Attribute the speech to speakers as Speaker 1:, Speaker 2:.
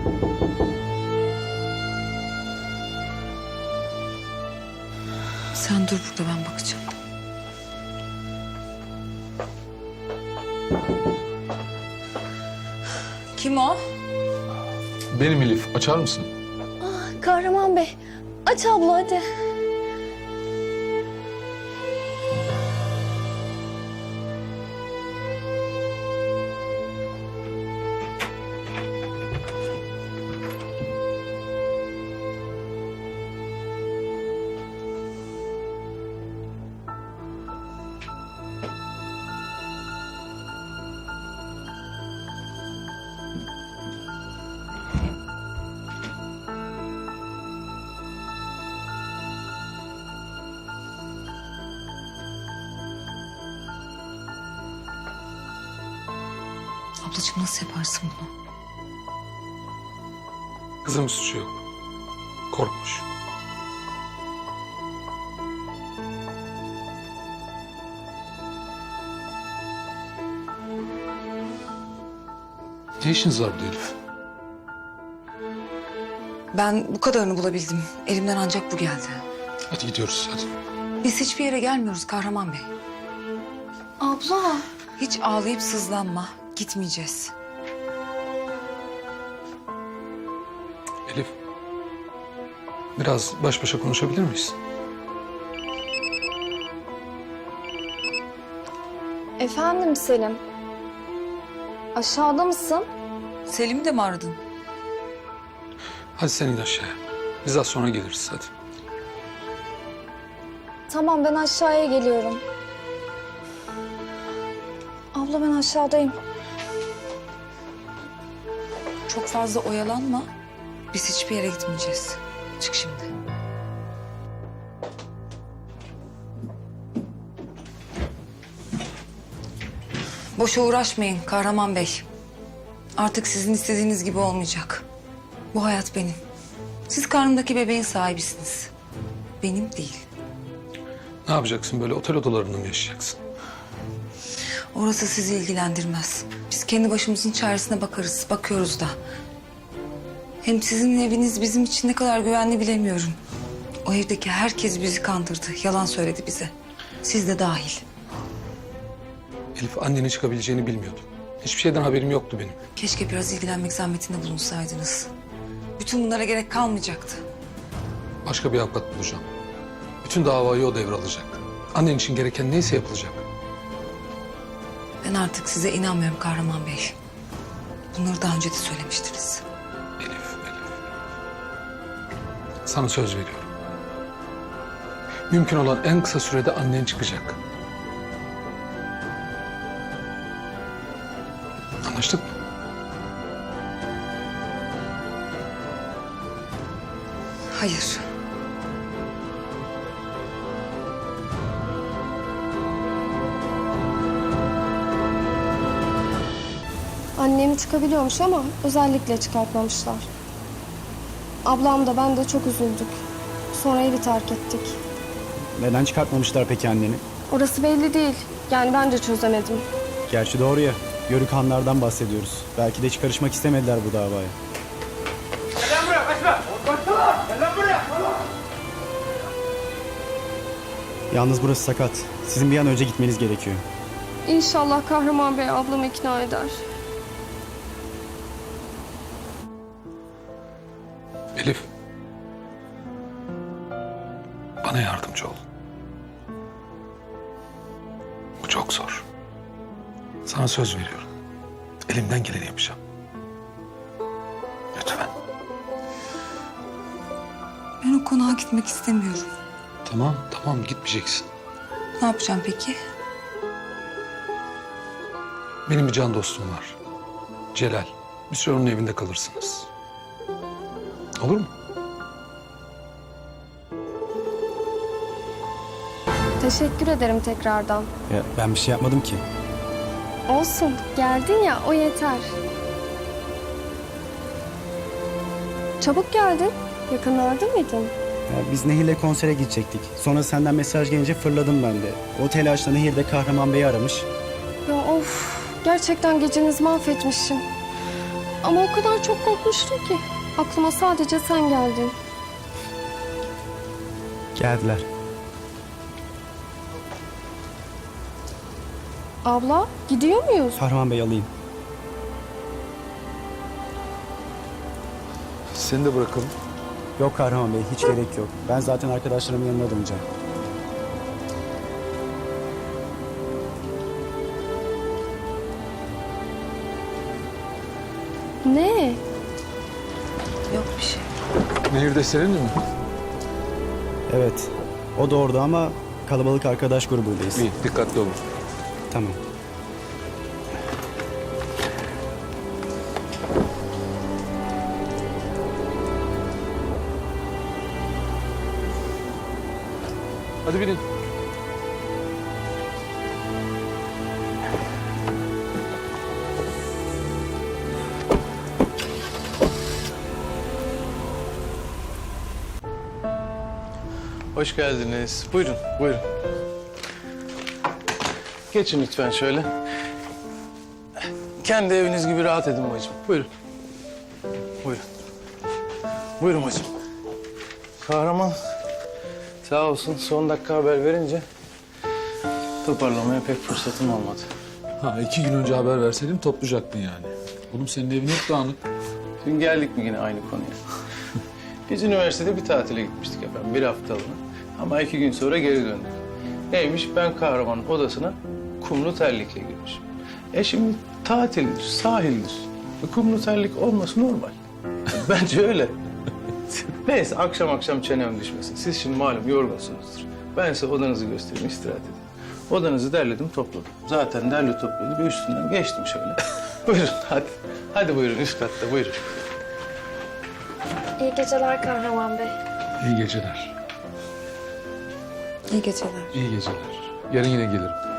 Speaker 1: Sen dur burada, ben bakacağım. Kim o?
Speaker 2: Benim Elif. Açar mısın?
Speaker 3: Kahraman Bey, aç abla hadi.
Speaker 1: Ablacığım nasıl yaparsın bunu?
Speaker 2: Kızım suçu yok. Korkmuş. Ne işiniz var burada Elif?
Speaker 1: Ben bu kadarını bulabildim. Elimden ancak bu geldi.
Speaker 2: Hadi gidiyoruz hadi.
Speaker 1: Biz hiçbir yere gelmiyoruz Kahraman Bey.
Speaker 3: Abla.
Speaker 1: Hiç ağlayıp sızlanma. Gitmeyeceğiz.
Speaker 2: Elif. Biraz baş başa konuşabilir miyiz?
Speaker 3: Efendim Selim. Aşağıda mısın?
Speaker 1: Selim'i de mi aradın?
Speaker 2: Hadi sen in aşağıya. Biz az sonra geliriz hadi.
Speaker 3: Tamam ben aşağıya geliyorum. Abla ben aşağıdayım.
Speaker 1: Çok fazla oyalanma. Biz hiçbir yere gitmeyeceğiz. Çık şimdi. Boşa uğraşmayın Kahraman Bey. Artık sizin istediğiniz gibi olmayacak. Bu hayat benim. Siz karnımdaki bebeğin sahibisiniz. Benim değil.
Speaker 2: Ne yapacaksın, böyle otel odalarında mı yaşayacaksın?
Speaker 1: Orası sizi ilgilendirmez. Biz kendi başımızın çaresine bakarız. Bakıyoruz da. Hem sizin eviniz bizim için ne kadar güvenli bilemiyorum. O evdeki herkes bizi kandırdı. Yalan söyledi bize. Siz de dahil.
Speaker 2: Elif, annenin çıkabileceğini bilmiyordum. Hiçbir şeyden haberim yoktu benim.
Speaker 1: Keşke biraz ilgilenmek zahmetinde bulunsaydınız. Bütün bunlara gerek kalmayacaktı.
Speaker 2: Başka bir avukat bulacağım. Bütün davayı o devralacak. Annen için gereken neyse yapılacak.
Speaker 1: Ben artık size inanmıyorum Kahraman Bey. Bunları daha önce de söylemiştiniz.
Speaker 2: Elif. Sana söz veriyorum. Mümkün olan en kısa sürede annen çıkacak. Anlaştık mı?
Speaker 1: Hayır.
Speaker 3: Annem çıkabiliyormuş ama özellikle çıkartmamışlar. Ablam da ben de çok üzüldük. Sonra evi terk ettik.
Speaker 4: Neden çıkartmamışlar peki anneni?
Speaker 3: Orası belli değil. Yani ben de çözemedim.
Speaker 4: Gerçi doğru ya. Yörük hanlardan bahsediyoruz. Belki de hiç karışmak istemediler bu davaya.
Speaker 5: Gel lan buraya, kaçma! Kaçma! Gel lan buraya!
Speaker 4: Yalnız burası sakat. Sizin bir an önce gitmeniz gerekiyor.
Speaker 3: İnşallah Kahraman Bey ablamı ikna eder.
Speaker 2: Elif. Bana yardımcı ol. Bu çok zor. Sana söz veriyorum. Elimden geleni yapacağım. Lütfen.
Speaker 1: Ben o konağa gitmek istemiyorum.
Speaker 2: Tamam gitmeyeceksin.
Speaker 1: Ne yapacağım peki?
Speaker 2: Benim bir can dostum var. Celal. Bir süre onun evinde kalırsınız. Olur mu?
Speaker 3: Teşekkür ederim tekrardan.
Speaker 4: Ya ben bir şey yapmadım ki.
Speaker 3: Olsun, geldin ya o yeter. Çabuk geldin. Yakınlarda mıydın?
Speaker 4: Ya biz Nehir'le konsere gidecektik. Sonra senden mesaj gelince fırladım ben de. O telaşla Nehir de Kahraman Bey'i aramış.
Speaker 3: Ya of, gerçekten gecenizi mahvetmişim. Ama o kadar çok korkmuştum ki. Aklıma sadece sen geldin.
Speaker 4: Geldiler.
Speaker 3: Abla, gidiyor muyuz?
Speaker 4: Kahraman Bey alayım.
Speaker 2: Seni de bırakalım.
Speaker 4: Yok Kahraman Bey, hiç gerek yok. Ben zaten arkadaşlarımın yanına döneceğim.
Speaker 3: Ne?
Speaker 1: Yok bir şey.
Speaker 2: Nehirde seninle mi?
Speaker 4: Evet, o da orada ama kalabalık arkadaş grubundayız.
Speaker 2: İyi, dikkatli olun.
Speaker 4: Tamam.
Speaker 2: Hadi binin.
Speaker 6: Hoş geldiniz. Buyurun, buyurun. Geçin lütfen şöyle. Kendi eviniz gibi rahat edin bacım. Buyurun. Buyurun. Buyurun bacım. Kahraman sağ olsun son dakika haber verince toparlamaya pek fırsatım olmadı.
Speaker 2: Ha, 2 gün önce haber verseydim toplayacaktın yani. Oğlum senin evin hep dağınık.
Speaker 6: Şimdi geldik mi yine aynı konuya? Biz üniversitede bir tatile gitmiştik efendim, bir haftalığına. Ama 2 gün sonra geri döndük. Neymiş? Ben Kahraman'ın odasına kumlu terlikle girmişim. Şimdi tatildir, sahildir. Kumlu terlik olması normal. Bence öyle. Neyse akşam çenem düşmesin. Siz şimdi malum yorgunsunuzdur. Ben size odanızı göstereyim, istirahat edin. Odanızı derledim, topladım. Zaten derli topladı, bir üstünden geçtim şöyle. Buyurun hadi. Hadi buyurun üst katta buyurun.
Speaker 3: İyi geceler Kahraman Bey.
Speaker 2: İyi geceler.
Speaker 1: İyi geceler.
Speaker 2: İyi geceler. Yarın yine gelirim.